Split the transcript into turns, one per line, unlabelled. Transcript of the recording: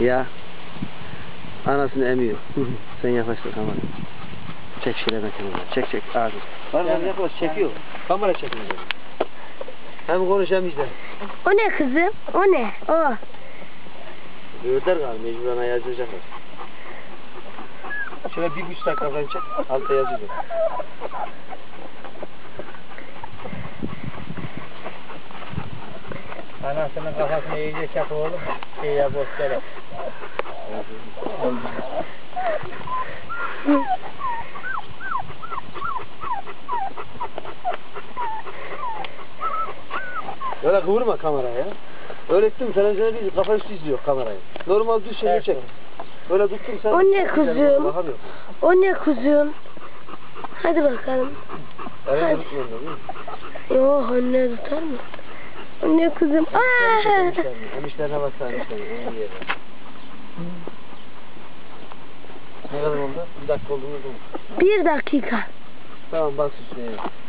Ya. Anasını emiyor. Sen yaklaştır kamerayı. Çek şöyle mekanını. Çek ağzını. Var yani yaklaş çekiyor. Kamera çekiyor. Hem konuş hem izle.
O ne kızım? O ne? O.
Öğütler galiba mecburen yazacaklar. Şöyle 1,5 dakika falan çek. Altta yazıyor.
Anasının kafasını iyice çak oğlum. İyice boşlara.
Öyle kıvırma kameraya. Öğrettim televizyona değil kafa üstü izliyor kamerayı. Normal düz şeyini çek. Böyle tuttum sen.
O ne kuzum?
Bakamıyorum.
O ne kuzum? Hadi bakalım.
Elini tutmuyorum değil mi?
Yok anne tutar mı? O ne kuzum? Aa!
Emişlerine baksana emişlerine. En iyi yere. Ne kadar oldu? 1 dakika oldu mu?
1 dakika.
Tamam bak üstüne.